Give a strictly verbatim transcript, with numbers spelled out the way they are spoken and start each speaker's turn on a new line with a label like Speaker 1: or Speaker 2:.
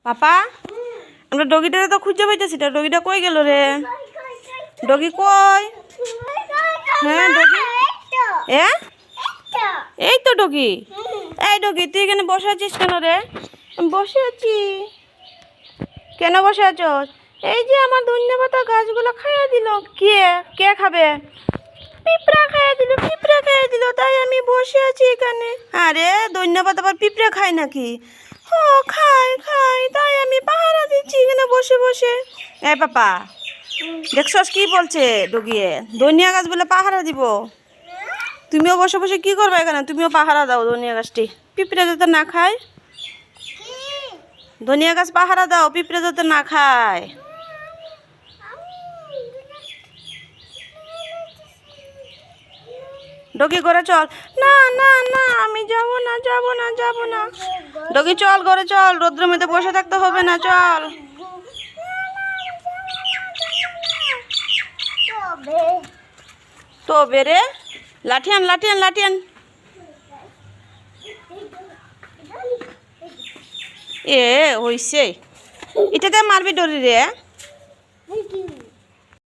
Speaker 1: পাপা আমরা ডগিটারে তো খুঁজে পাইতেছি না, ডগিটা কই গেল রে? ডগি কই? হ্যাঁ ডগি, এ এই তো ডগি। এই ডগি তুই এখানে বসে আছিস কেন রে? বসে আছি। কেন বসে আছো? এই যে আমার ধন্যপাতা গাছগুলো খাইয়ে দিল। কে কে খাবে? পিঁপড়া খাইয়ে দিল, পিঁপড়া খাইয়ে দিল, তাই আমি বসে আছি এখানে। আরে ধন্যপাতা আবার পিঁপড়া খায় নাকি? ও খাই খাই, তাই আমি পাহারা দিচ্ছি এখানে বসে বসে। এ পাপা দেখছস কি বলছে ডগিয়ে? ধনিয়া গাছ বলে পাহারা দিব। তুমিও বসে বসে কি করবে এখানে? তুমিও পাহারা দাও ধনিয়া গাছটি, পিঁপড়ে যাতে না খায়। ধনিয়া গাছ পাহারা দাও, পিঁপড়ে যাতে না খায়। ডগি ঘরে চল। না না না আমি যাব না যাব না যাব না। ডগি চল ঘরে চল, রোদ্রের মধ্যে বসে থাকতে হবে না, চল। তো বেরে লাঠিয়ান লাঠিয়ান লাঠিয়ান। এ হইছে, এটাতে মারবি ডরি রে।